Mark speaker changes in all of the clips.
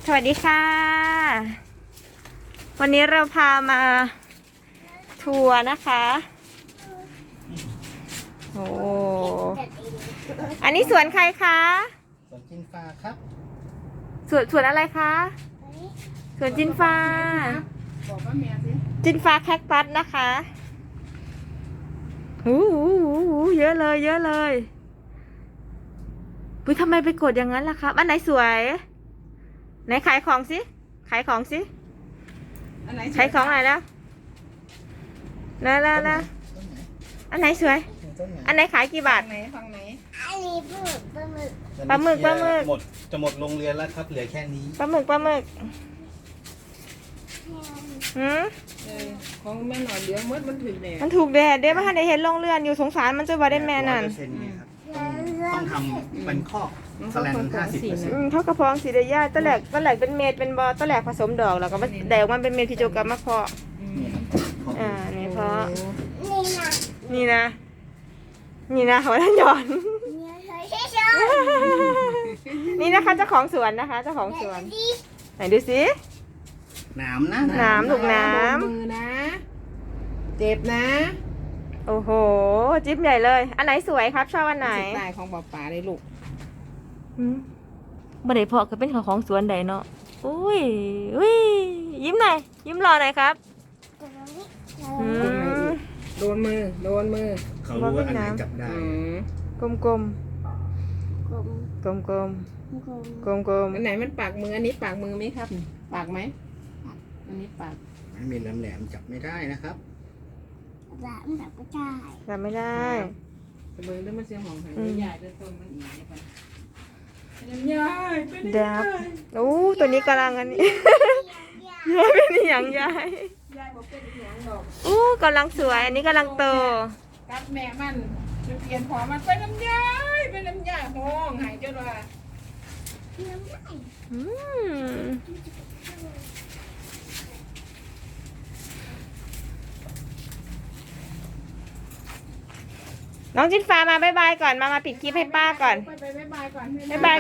Speaker 1: สวัสดีค่ะวันนี้เราพามาทัวร์นะคะโอ้อันนี้สวนใครคะ
Speaker 2: สวนจินฟ้าครับ
Speaker 1: สวนอะไรคะสวนจินฟ้า
Speaker 3: บอกว่าแม่สิ
Speaker 1: จินฟ้าแคคตัสนะคะหูเยอะเลยเยอะเลยอุ๊ยทำไมไปกดอย่างนั้นล่ะครับอันไหนสวยไหนขายของสิขายของสิขายของไหนแล้วแล้วอันไหนสวยอันไหนขายกี่บาท
Speaker 3: ฝั่งไหน
Speaker 4: อันนี้ปลาหมึก
Speaker 1: ปลาหมึก
Speaker 2: จะหมดโรงเรียนแล้วครับเหลือแค่นี้
Speaker 1: ปลาหมึก
Speaker 3: ของแม่หน่อยเดี๋ยวมันถึงแดด
Speaker 1: มันถูกแดดเด้มาให้ได้เห็นลงเรือนอยู่สงสารมันจะว่าได้แม่นั่น
Speaker 2: ต้องทำเป็นข้อแสลน50%
Speaker 1: เท่ากับพองสีเดียย่าตะแหลกเป็นเม็ดเป็นบอตะแหลกผสมดอกแล้วก็แดกมันเป็นเม็ดพิโจกรรมมาเพาะนี่เพาะนี่นะหัวท่านหย่อนนี่นะคะเจ้าของสวนนะคะเจ้าของสวนไหนดูสิ
Speaker 2: น้ำลูก
Speaker 1: น้ำ
Speaker 3: มือนะเจ็บนะ
Speaker 1: โอ้โหจิ๊บใหญ่เลยอันไหนสวยครับชอบอันไหน
Speaker 3: สไตล์ของป๋าเลยลูก
Speaker 1: บ่ได้เพาะก็เป็นของสวนใดเนาะอุ้ยยิ้มหน่อยยิ้มรอหน่อยครับ
Speaker 3: โดนมือ
Speaker 2: เขารู้ว่าอันไหนจับได้
Speaker 1: กลม
Speaker 3: อันไหนมันปากมืออันนี้ปากมือไหมครับปากไหมอันนี้ปาก
Speaker 2: ไม่มีแหลมจับไม่ได้นะครับ
Speaker 1: จับไม่ได้
Speaker 3: มือด้วยมันเสียงของหายใหญ่ด้วยต้นมันอีกเนี่ยใหญ่เป็น
Speaker 1: ดับโอ้ตัวนี้กำลังอันนี้ยายเป็นอย่างยาย
Speaker 3: บอกเป็นอย่างดอก
Speaker 1: กำลังสวยอันนี้กำลังโต
Speaker 3: กับแม่มันจะเปลี่ยนพอมันเป็นน้ำยาห้องหายจนว่า
Speaker 1: น้องจินฟ้ามาบ๊ายบายก่อนมาปิดคลิปให้ป้าก่อน
Speaker 3: บ๊ายบายก่อน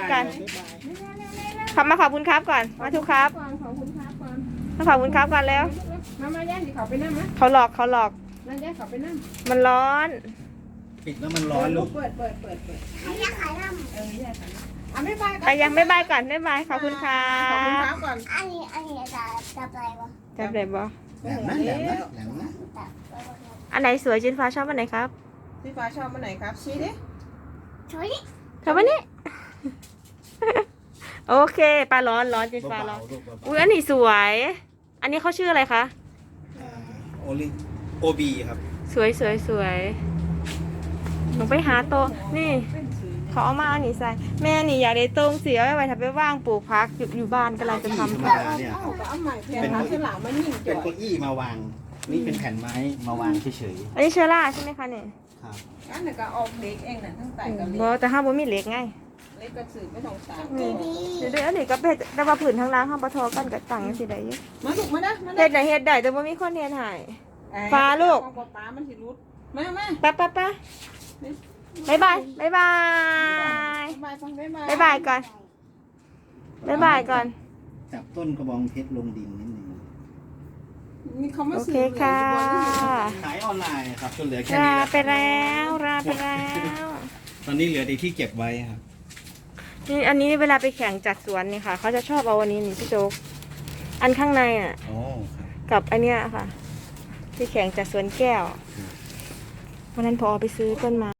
Speaker 1: ขอบคุณครับก่อนมาทุกครับ
Speaker 3: ขอบคุณครับก่อน
Speaker 1: มาขอบคุณครับก่อนแล้ว
Speaker 3: มาย่าสิเขาไปนั่งไหม
Speaker 1: เขาหลอก
Speaker 3: นั่งย่าเขาไปนั่ง
Speaker 1: มันร้อน
Speaker 2: ปิดแล้วมันร้อนลูก
Speaker 3: เปิด
Speaker 4: ย่าขายน้ำ
Speaker 3: ย่าขายน้ำบ๊ายบาย
Speaker 1: ไปยังบ๊ายบายก่อนบ๊ายบายขอบคุณค่ะ
Speaker 3: ขอบคุณครับก่อน
Speaker 4: อันนี้จับอะไรวะ
Speaker 1: จับอะไรบ่
Speaker 2: แหลมนะ
Speaker 1: อันไหนสวยจินฟ้าชอบอันไหนครับ
Speaker 3: พี่ฟ้าชอบอันไหนครับชี้ดิ
Speaker 4: ช
Speaker 1: อบอันนี้โอเคปลาร้อนจินฟ้าร้อนอุ้ยอันนี้สวยอันนี้เขาชื่ออะไรคะ
Speaker 2: โอบีครับ
Speaker 1: สวยลงไปหาโตนี่เขาเอามาอันนี้ใส่แม่นี่อยากได้ตรงเสียไว้ทำไปว่างปลูกพักอยู่บ้านกำลังจะทำ
Speaker 3: เป็นเ
Speaker 2: ก้าอี้มาวางนี่เป็นแผ่นไม้มาวางเฉย
Speaker 1: อันนี้เชอร่าใช่ไหมคะเนี่ย
Speaker 2: ครับ
Speaker 3: อันนี้ก็ออกเล็กเองน่ะทั้งไตกับเล็ก
Speaker 1: แต่ห้ามบ่มีเล็กไง
Speaker 3: เล็กก็สื่อไม่ต้องสาม
Speaker 1: เดี๋ยวอันนี้ก็เป็นแต่ว่าผืนทางล่างห้ามปะทอกันกับตังสิได้
Speaker 3: มาลูกมา
Speaker 1: เฮ็ดได้แต่ว่ามีคนเฮ็ดให้ฟ้าลูก
Speaker 3: ป้ามันสิรุดมา
Speaker 1: ป๊าบ๊ายบายก่อน
Speaker 2: จับต้นกระบองเพชรลงดินนิดนึง
Speaker 1: โอเคค่ะ
Speaker 2: ขายออนไลน์ครับจนเหลือแค่นี้
Speaker 1: ลาไปแล้ว
Speaker 2: ตอนนี้เหลือที่เก็บไว้ครับ
Speaker 1: นี่อันนี้เวลาไปแข่งจัดสวนนี่ค่ะเขาจะชอบเอาอันนี้นี่พี่โจ๊กอันข้างในอ่ะกับอันเนี้ยค่ะที่แข่งจัดสวนแก้ววันนั้นพอไปซื้อต้นไม้